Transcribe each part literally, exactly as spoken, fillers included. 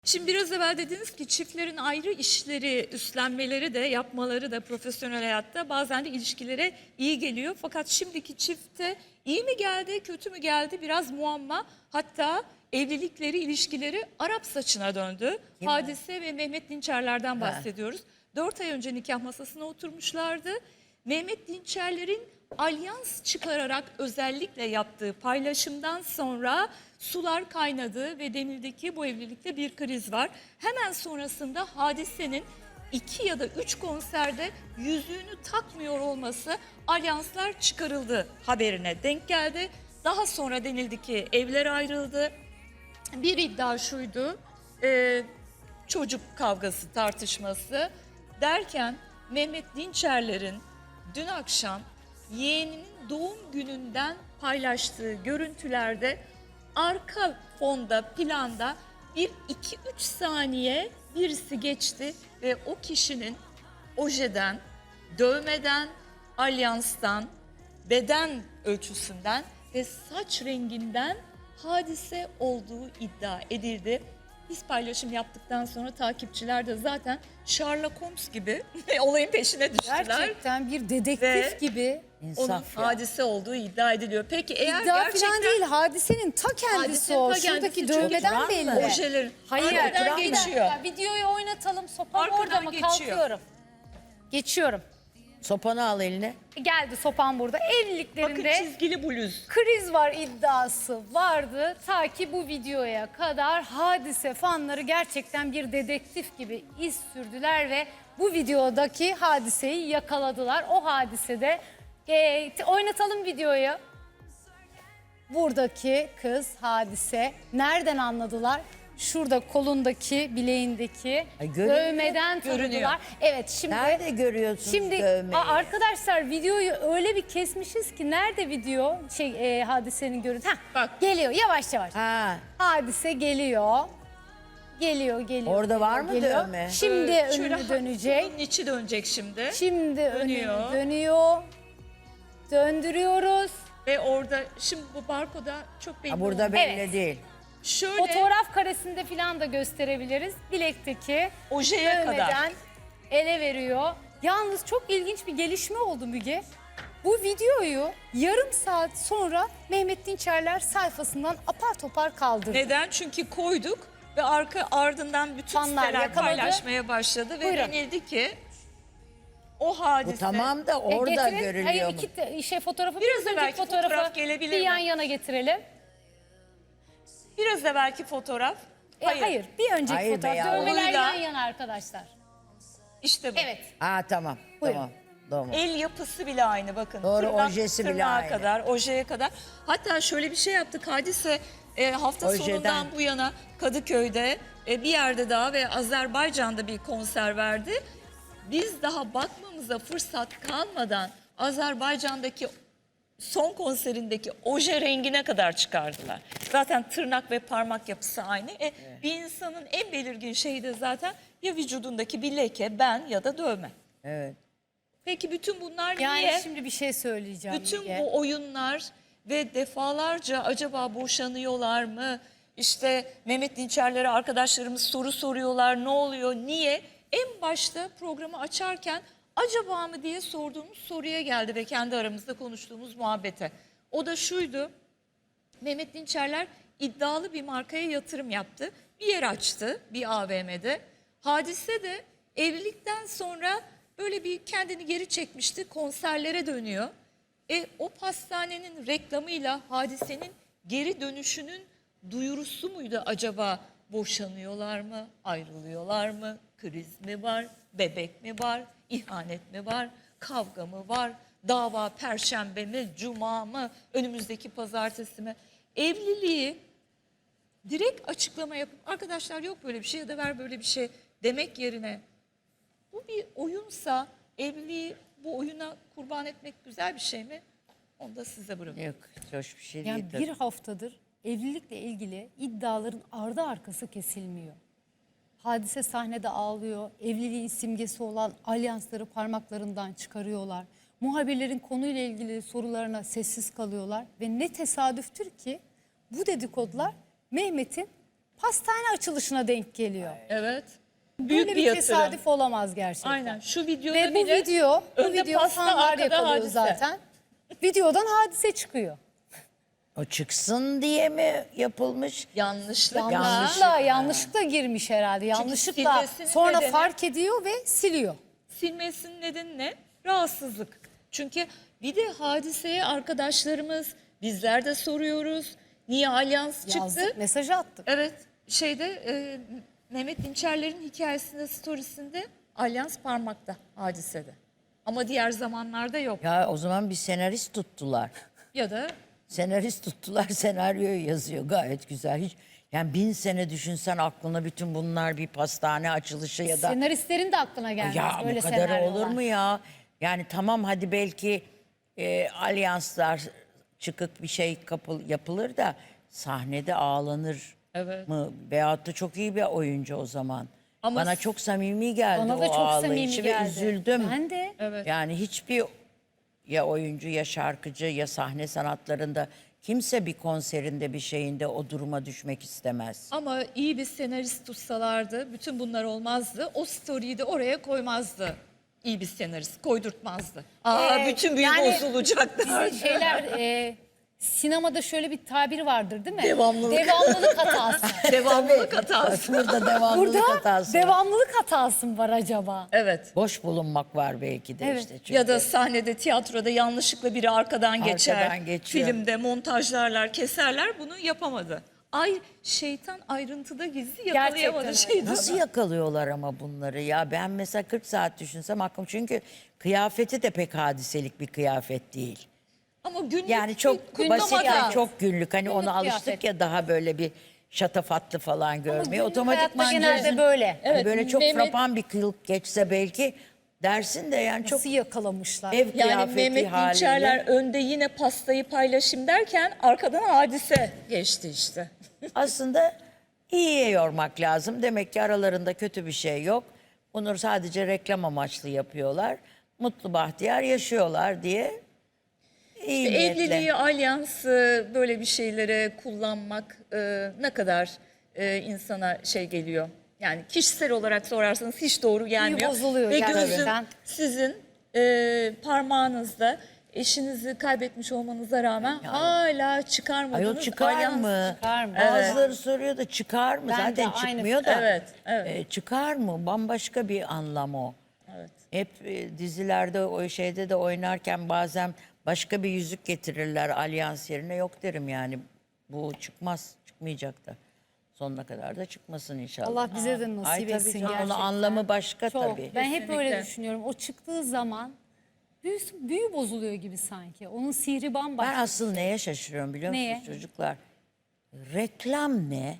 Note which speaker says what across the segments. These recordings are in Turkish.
Speaker 1: Şimdi biraz evvel dediniz ki çiftlerin ayrı işleri üstlenmeleri de yapmaları da profesyonel hayatta bazen de ilişkilere iyi geliyor. Fakat şimdiki çifte iyi mi geldi kötü mü geldi biraz muamma, hatta evlilikleri ilişkileri Arap saçına döndü.
Speaker 2: Kim
Speaker 1: Hadise ve Mehmet Dinçerler'den
Speaker 2: Ha.
Speaker 1: bahsediyoruz. Dört ay önce nikah masasına oturmuşlardı. Mehmet Dinçerler'in alyans çıkararak özellikle yaptığı paylaşımdan sonra sular kaynadı ve denildi ki bu evlilikte bir kriz var. Hemen sonrasında Hadise'nin iki ya da üç konserde yüzüğünü takmıyor olması alyanslar çıkarıldı haberine denk geldi. Daha sonra denildi ki evler ayrıldı. Bir iddia şuydu, e, çocuk kavgası tartışması derken Mehmet Dinçerler'in dün akşam yeğeninin doğum gününden paylaştığı görüntülerde arka fonda planda bir iki üç saniye birisi geçti ve o kişinin ojeden, dövmeden, alyanstan, beden ölçüsünden ve saç renginden Hadise olduğu iddia edildi. Biz paylaşım yaptıktan sonra takipçiler de zaten Sherlock Holmes gibi olayın peşine düştüler.
Speaker 3: Gerçekten bir dedektif
Speaker 1: Ve
Speaker 3: gibi.
Speaker 1: Onun
Speaker 2: İnsaf ya.
Speaker 1: Hadise olduğu iddia ediliyor. Peki eğer
Speaker 3: İddia
Speaker 1: gerçekten
Speaker 3: falan değil, hadisenin ta kendisi
Speaker 1: Hadisenin
Speaker 3: o.
Speaker 1: ta kendisi
Speaker 3: Şuradaki
Speaker 1: çok
Speaker 3: dövmeden
Speaker 2: oturan
Speaker 3: belli.
Speaker 2: mı?
Speaker 1: ojelerin
Speaker 3: Hayır,
Speaker 1: arkadan
Speaker 2: oturan mı?
Speaker 1: geçiyor.
Speaker 3: Ya, videoyu oynatalım. Sopam
Speaker 1: Arkadan
Speaker 3: orada mı?
Speaker 1: geçiyor.
Speaker 3: Kalkıyorum. Geçiyorum.
Speaker 2: Sopanı al eline.
Speaker 3: Geldi sopam burada.
Speaker 1: Bakın
Speaker 3: Evliliklerinde
Speaker 1: çizgili bluz.
Speaker 3: kriz var iddiası vardı. Ta ki bu videoya kadar Hadise fanları gerçekten bir dedektif gibi iz sürdüler ve bu videodaki Hadise'yi yakaladılar. O hadisede e, t- oynatalım videoyu. Buradaki kız Hadise nereden anladılar? Şurada kolundaki, bileğindeki
Speaker 2: Ay, görünüyor.
Speaker 3: dövmeden
Speaker 1: Görünüyor.
Speaker 3: tanıdılar. Evet, şimdi
Speaker 2: Nerede görüyorsunuz
Speaker 3: Şimdi
Speaker 2: dövmeyi?
Speaker 3: a- arkadaşlar videoyu öyle bir kesmişiz ki nerede video şey e, Hadisenin görüntü. Hah,
Speaker 1: Bak.
Speaker 3: geliyor yavaş yavaş.
Speaker 2: Ha,
Speaker 3: Hadise geliyor. Geliyor geliyor.
Speaker 2: Orada var
Speaker 3: geliyor,
Speaker 2: mı
Speaker 3: geliyor.
Speaker 2: dövme?
Speaker 3: Şimdi
Speaker 1: Ee, şöyle
Speaker 3: önünü
Speaker 1: ha-
Speaker 3: dönecek.
Speaker 1: Bunun içi dönecek şimdi.
Speaker 3: Şimdi
Speaker 1: Dönüyor.
Speaker 3: önünü dönüyor. Döndürüyoruz.
Speaker 1: Ve orada şimdi bu barkoda çok belli
Speaker 2: ha burada
Speaker 1: olmuyor.
Speaker 2: belli
Speaker 3: Evet.
Speaker 2: değil.
Speaker 1: Şöyle
Speaker 3: Fotoğraf karesinde falan da gösterebiliriz. Bilekteki
Speaker 1: ojeye kadar.
Speaker 3: dövmeden ele veriyor. Yalnız çok ilginç bir gelişme oldu Müge. Bu videoyu yarım saat sonra Mehmet Dinçerler sayfasından apar topar kaldırdı.
Speaker 1: Neden? Çünkü koyduk ve arka ardından bütün
Speaker 3: Fanlar
Speaker 1: siteler
Speaker 3: yakaladı.
Speaker 1: paylaşmaya başladı ve
Speaker 3: Buyurun.
Speaker 1: denildi ki o hadise.
Speaker 2: Bu tamam da
Speaker 3: E,
Speaker 2: orada
Speaker 3: getirin.
Speaker 2: görülüyor
Speaker 3: Hayır,
Speaker 2: mu?
Speaker 3: iki te- şey fotoğrafı
Speaker 1: Biraz
Speaker 3: biraz önceki
Speaker 1: evvelki
Speaker 3: fotoğrafı
Speaker 1: fotoğraf gelebilir
Speaker 3: bir
Speaker 1: mi?
Speaker 3: yan yana getirelim.
Speaker 1: Biraz evvelki fotoğraf.
Speaker 3: E, hayır. bir önceki
Speaker 2: Hayır be
Speaker 3: fotoğraf.
Speaker 2: ya.
Speaker 3: Dövmeler
Speaker 1: Onunla-
Speaker 3: yan yana arkadaşlar.
Speaker 1: İşte bu.
Speaker 3: Evet.
Speaker 2: Ha tamam.
Speaker 3: Buyurun.
Speaker 2: Tamam. Tamam.
Speaker 1: El yapısı bile aynı bakın.
Speaker 2: Doğru,
Speaker 1: Tırnak-
Speaker 2: ojesi bile
Speaker 1: tırnağa
Speaker 2: aynı.
Speaker 1: kadar, ojeye kadar. Hatta şöyle bir şey yaptık Hadise e, hafta
Speaker 2: Ojeden.
Speaker 1: sonundan bu yana Kadıköy'de e, bir yerde daha ve Azerbaycan'da bir konser verdi. Biz daha bakmamıza fırsat kalmadan Azerbaycan'daki son konserindeki oje rengine kadar çıkardılar. Zaten tırnak ve parmak yapısı aynı. E, Bir insanın en belirgin şeyi de zaten ya vücudundaki bir leke, ben ya da dövme.
Speaker 2: Evet.
Speaker 1: Peki bütün bunlar
Speaker 3: Yani
Speaker 1: niye?
Speaker 3: şimdi bir şey söyleyeceğim.
Speaker 1: Bütün
Speaker 3: Müge.
Speaker 1: bu oyunlar ve defalarca acaba boşanıyorlar mı? İşte Mehmet Dinçerler'e arkadaşlarımız soru soruyorlar. Ne oluyor? Niye? En başta programı açarken acaba mı diye sorduğumuz soruya geldi ve kendi aramızda konuştuğumuz muhabbete. O da şuydu. Mehmet Dinçerler iddialı bir markaya yatırım yaptı. Bir yer açtı bir A V M'de. Hadise de evlilikten sonra böyle bir kendini geri çekmişti. Konserlere dönüyor. E, o pastanenin reklamıyla Hadise'nin geri dönüşünün duyurusu muydu acaba? Boşanıyorlar mı? Ayrılıyorlar mı? Kriz mi var? Bebek mi var? İhanet mi var? Kavga mı var? Dava perşembe mi? Cuma mı? Önümüzdeki pazartesi mi? Evliliği direkt açıklama yapıp arkadaşlar yok böyle bir şey ya da ver böyle bir şey demek yerine bu bir oyunsa evliliği bu oyuna kurban etmek güzel bir şey mi? Onu da size bırakıyorum.
Speaker 2: Yok, hoş bir şey
Speaker 3: Yani
Speaker 2: değil.
Speaker 3: bir haftadır evlilikle ilgili iddiaların ardı arkası kesilmiyor. Hadise sahnede ağlıyor. Evliliğin simgesi olan alyansları parmaklarından çıkarıyorlar. Muhabirlerin konuyla ilgili sorularına sessiz kalıyorlar. Ve ne tesadüftür ki bu dedikodular Mehmet'in pastane açılışına denk geliyor.
Speaker 1: Evet. Büyük
Speaker 3: Böyle
Speaker 1: bir
Speaker 3: bir
Speaker 1: yatırım.
Speaker 3: tesadüf olamaz gerçekten.
Speaker 1: Aynen. Şu videoda
Speaker 3: Ve bu
Speaker 1: bile
Speaker 3: video, bu
Speaker 1: önde
Speaker 3: video
Speaker 1: pasta,
Speaker 3: fanlar
Speaker 1: arkada
Speaker 3: yakalıyor
Speaker 1: Hadise.
Speaker 3: zaten. Videodan Hadise çıkıyor.
Speaker 2: O çıksın diye mi yapılmış?
Speaker 1: Yanlışlıkla.
Speaker 3: Yanlışlıkla, yanlışlıkla girmiş herhalde. Yanlışlıkla
Speaker 1: silmesinin
Speaker 3: sonra
Speaker 1: nedeni-
Speaker 3: fark ediyor ve siliyor.
Speaker 1: Silmesinin nedeni ne? Rahatsızlık. Çünkü bir de Hadise'ye arkadaşlarımız, bizler de soruyoruz. Niye alyans çıktı?
Speaker 3: Yazdık, mesajı attık.
Speaker 1: Evet, şeyde e, Mehmet Dinçerler'in hikayesinde, storiesinde alyans parmakta Hadise'de. Ama diğer zamanlarda yok.
Speaker 2: Ya o zaman bir senarist tuttular.
Speaker 1: Ya da
Speaker 2: Senarist tuttular, senaryoyu yazıyor gayet güzel. Hiç yani bin sene düşünsen aklına bütün bunlar bir pastane açılışı ya da
Speaker 3: Senaristlerin de aklına gelmez
Speaker 2: ya
Speaker 3: böyle
Speaker 2: bu kadar
Speaker 3: senaryolar.
Speaker 2: olur mu ya? Yani tamam hadi belki e, alyanslar çıkık bir şey kapıl, yapılır da sahnede ağlanır
Speaker 1: Evet.
Speaker 2: mı? Veyahut da çok iyi bir oyuncu o zaman.
Speaker 1: Ama
Speaker 2: Bana çok samimi geldi
Speaker 3: Bana
Speaker 2: o
Speaker 3: da çok
Speaker 2: ağlayışı
Speaker 3: samimi
Speaker 2: ve
Speaker 3: geldi.
Speaker 2: üzüldüm.
Speaker 3: Ben de.
Speaker 1: evet.
Speaker 2: Yani hiçbir ya oyuncu ya şarkıcı ya sahne sanatlarında kimse bir konserinde bir şeyinde o duruma düşmek istemez.
Speaker 1: Ama iyi bir senarist tutsalardı bütün bunlar olmazdı. O story'yi de oraya koymazdı. İyi bir senarist koydurtmazdı. Aa
Speaker 3: Ee,
Speaker 1: bütün büyü
Speaker 3: yani
Speaker 1: bozulacak derdi.
Speaker 3: Şeyler e, sinemada şöyle bir tabir vardır değil mi?
Speaker 1: Devamlılık.
Speaker 3: Devamlılık hatası.
Speaker 1: Devamlılık hatası.
Speaker 2: Burada devamlılık
Speaker 3: Burada
Speaker 2: hatası var.
Speaker 3: devamlılık hatası mı var acaba?
Speaker 1: Evet.
Speaker 2: Boş bulunmak var belki de
Speaker 3: Evet.
Speaker 2: işte. Çünkü
Speaker 1: Ya da sahnede, tiyatroda yanlışlıkla biri arkadan geçer.
Speaker 2: Arkadan geçiyor.
Speaker 1: Filmde montajlarlar, keserler. Bunu yapamadı. Ay şeytan ayrıntıda gizli yakalayamadı
Speaker 3: Gerçekten
Speaker 1: şeytanı.
Speaker 2: nasıl yakalıyorlar ama bunları ya? Ben mesela kırk saat düşünsem aklım çünkü kıyafeti de pek hadiselik bir kıyafet değil.
Speaker 1: Ama günlük
Speaker 2: Yani çok
Speaker 1: bir
Speaker 2: basit
Speaker 1: kutlama
Speaker 2: yani
Speaker 1: da-
Speaker 2: çok günlük. Hani
Speaker 3: Günlük
Speaker 2: ona alıştık
Speaker 3: kıyafet.
Speaker 2: ya daha böyle bir şatafatlı falan görmeye.
Speaker 3: günlük
Speaker 2: Otomatikman
Speaker 3: hayatta genelde
Speaker 2: gözün-
Speaker 3: böyle.
Speaker 2: Hani
Speaker 1: Evet,
Speaker 2: böyle çok
Speaker 1: Mehmet-
Speaker 2: frapan bir kılık geçse belki dersin de yani çok
Speaker 3: Nasıl yakalamışlar?
Speaker 2: ev
Speaker 1: Yani
Speaker 2: kıyafeti
Speaker 1: Mehmet
Speaker 2: haliyle.
Speaker 1: Dinçerler önde yine pastayı paylaşayım derken arkadan Hadise geçti işte.
Speaker 2: Aslında iyiye yormak lazım. Demek ki aralarında kötü bir şey yok. Bunu sadece reklam amaçlı yapıyorlar. Mutlu bahtiyar yaşıyorlar diye iyi niyetle.
Speaker 1: Evliliği, alyansı böyle bir şeylere kullanmak e, ne kadar e, insana şey geliyor. Yani kişisel olarak sorarsanız hiç doğru gelmiyor.
Speaker 3: bozuluyor
Speaker 1: Ve
Speaker 3: gerçekten.
Speaker 1: gözüm sizin e, parmağınızda eşinizi kaybetmiş olmanıza rağmen hala çıkarmadınız.
Speaker 2: Ayol çıkar
Speaker 1: alyans.
Speaker 2: mı?
Speaker 3: çıkar mı?
Speaker 2: Bazıları soruyor da çıkar mı?
Speaker 3: Ben de
Speaker 2: Zaten
Speaker 3: aynı
Speaker 2: çıkmıyor da.
Speaker 1: Evet, evet.
Speaker 2: E, çıkar mı? Bambaşka bir anlam o.
Speaker 1: Evet.
Speaker 2: Hep e, dizilerde o şeyde de oynarken bazen başka bir yüzük getirirler alyans yerine. Yok derim yani. Bu çıkmaz. Çıkmayacak da. Sonuna kadar da çıkmasın inşallah.
Speaker 3: Allah bize de
Speaker 2: Ay
Speaker 3: nasip
Speaker 2: tabii
Speaker 3: etsin
Speaker 2: canım, onun
Speaker 3: gerçekten.
Speaker 2: anlamı başka
Speaker 3: Çok.
Speaker 2: tabii.
Speaker 3: Ben hep öyle
Speaker 1: Kesinlikle.
Speaker 3: düşünüyorum. O çıktığı zaman büyüsü, büyü bozuluyor gibi sanki. Onun sihri bambaşka.
Speaker 2: Ben asıl neye şaşırıyorum biliyor musunuz
Speaker 3: Neye?
Speaker 2: çocuklar? Reklam ne?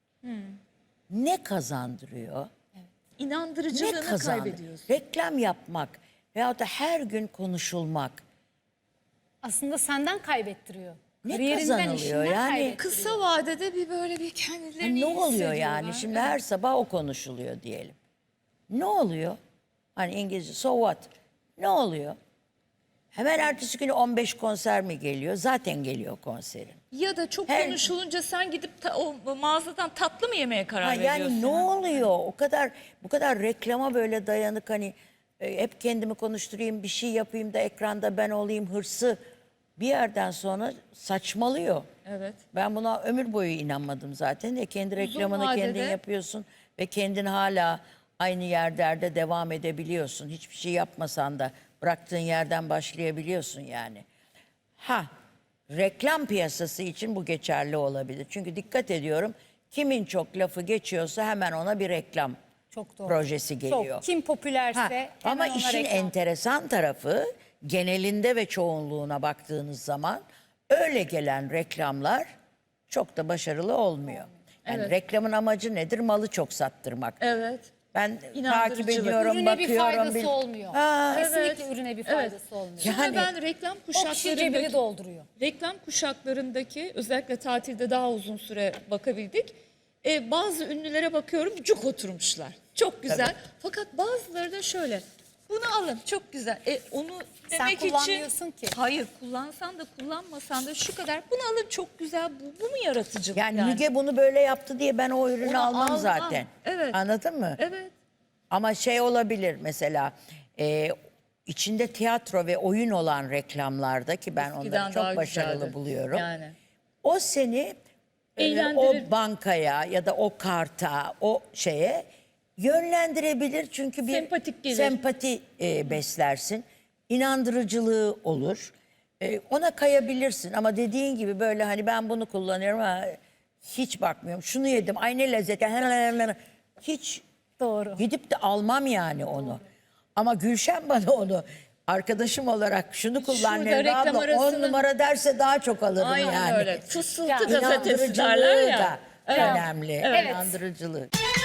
Speaker 2: Ne kazandırıyor? Ne
Speaker 1: İnandırıcılığını
Speaker 2: kazandı?
Speaker 1: kaybediyorsun.
Speaker 2: Reklam yapmak veyahut da her gün konuşulmak
Speaker 3: Aslında senden kaybettiriyor.
Speaker 2: Ne
Speaker 3: Kariyerinden,
Speaker 2: kazanılıyor
Speaker 3: işinden
Speaker 2: yani?
Speaker 3: kaybettiriyor.
Speaker 1: Kısa vadede bir böyle bir
Speaker 2: Ha,
Speaker 1: kendilerini
Speaker 2: ne
Speaker 1: iyi
Speaker 2: oluyor yani?
Speaker 1: hissediyorlar.
Speaker 2: Şimdi her sabah o konuşuluyor diyelim. Ne oluyor? Hani İngilizce so what? Ne oluyor? Hemen ertesi günü on beş konser mi geliyor? Zaten geliyor konserin.
Speaker 1: Ya da çok
Speaker 2: Her-
Speaker 1: konuşulunca sen gidip ta- o mağazadan tatlı mı yemeye karar
Speaker 2: Ha,
Speaker 1: veriyorsun?
Speaker 2: yani ne oluyor? O kadar bu kadar reklama böyle dayanık hani e, hep kendimi konuşturayım, bir şey yapayım da ekranda ben olayım hırsı bir yerden sonra saçmalıyor.
Speaker 1: Evet.
Speaker 2: Ben buna ömür boyu inanmadım zaten de kendi reklamını
Speaker 1: vadede-
Speaker 2: kendin yapıyorsun ve kendin hala aynı yerlerde devam edebiliyorsun. Hiçbir şey yapmasan da bıraktığın yerden başlayabiliyorsun yani. Ha, reklam piyasası için bu geçerli olabilir. Çünkü dikkat ediyorum kimin çok lafı geçiyorsa hemen ona bir reklam
Speaker 3: Çok doğru.
Speaker 2: projesi geliyor.
Speaker 3: Çok. Kim popülerse
Speaker 2: Ha,
Speaker 3: hemen
Speaker 2: ama
Speaker 3: ona
Speaker 2: işin
Speaker 3: reklam.
Speaker 2: enteresan tarafı genelinde ve çoğunluğuna baktığınız zaman öyle gelen reklamlar çok da başarılı olmuyor. Yani
Speaker 1: Evet.
Speaker 2: reklamın amacı nedir? Malı çok sattırmak.
Speaker 1: Evet.
Speaker 2: Ben takip
Speaker 1: İnandırıcılık.
Speaker 2: ediyorum,
Speaker 3: Ürüne bir
Speaker 2: bakıyorum.
Speaker 3: faydası
Speaker 2: bil-
Speaker 3: olmuyor.
Speaker 2: Ha,
Speaker 3: Kesinlikle
Speaker 1: Evet.
Speaker 3: ürüne bir
Speaker 1: Evet.
Speaker 3: faydası olmuyor.
Speaker 1: Sonra
Speaker 2: Yani-
Speaker 1: ben reklam
Speaker 3: O kişi cebini
Speaker 1: kuşaklarındaki,
Speaker 3: dolduruyor.
Speaker 1: reklam kuşaklarındaki özellikle tatilde daha uzun süre bakabildik. E, bazı ünlülere bakıyorum cuk oturmuşlar. Çok güzel. Fakat bazıları da şöyle. Bunu alın çok güzel. E, onu
Speaker 3: Sen
Speaker 1: demek için.
Speaker 3: kullanmıyorsun ki.
Speaker 1: Hayır kullansan da kullanmasan da şu kadar. Bunu alın çok güzel. Bu, bu mu yaratıcılık
Speaker 2: Yani,
Speaker 1: yani?
Speaker 2: Müge bunu böyle yaptı diye ben o ürünü
Speaker 1: Onu
Speaker 2: almam
Speaker 1: almam.
Speaker 2: zaten.
Speaker 1: Evet.
Speaker 2: Anladın mı?
Speaker 1: Evet.
Speaker 2: Ama şey olabilir mesela e, içinde tiyatro ve oyun olan reklamlarda ki ben
Speaker 1: Eskiden
Speaker 2: onları çok
Speaker 1: daha
Speaker 2: başarılı
Speaker 1: güzeldi.
Speaker 2: buluyorum.
Speaker 1: Yani.
Speaker 2: O seni e,
Speaker 1: Eğlendirir.
Speaker 2: o bankaya ya da o karta, o şeye yönlendirebilir. Çünkü bir
Speaker 1: Sempatik gelir.
Speaker 2: sempati e, beslersin. İnandırıcılığı olur. E, ona kayabilirsin ama dediğin gibi böyle hani ben bunu kullanıyorum ha, hiç bakmıyorum. Şunu yedim ay ne lezzet. Hiç
Speaker 3: Doğru.
Speaker 2: gidip de almam yani onu. Ama Gülşen bana onu arkadaşım olarak şunu kullan
Speaker 1: Şurada
Speaker 2: Nevra
Speaker 1: reklam
Speaker 2: abla on
Speaker 1: arasında-
Speaker 2: numara derse daha çok alırım
Speaker 1: Aynen
Speaker 2: yani.
Speaker 1: öyle. Fısıltı
Speaker 3: Yani
Speaker 1: gazetesi derler
Speaker 2: İnandırıcılığı
Speaker 1: ya.
Speaker 2: da
Speaker 1: Evet.
Speaker 2: önemli.
Speaker 3: Evet.
Speaker 2: İnandırıcılığı.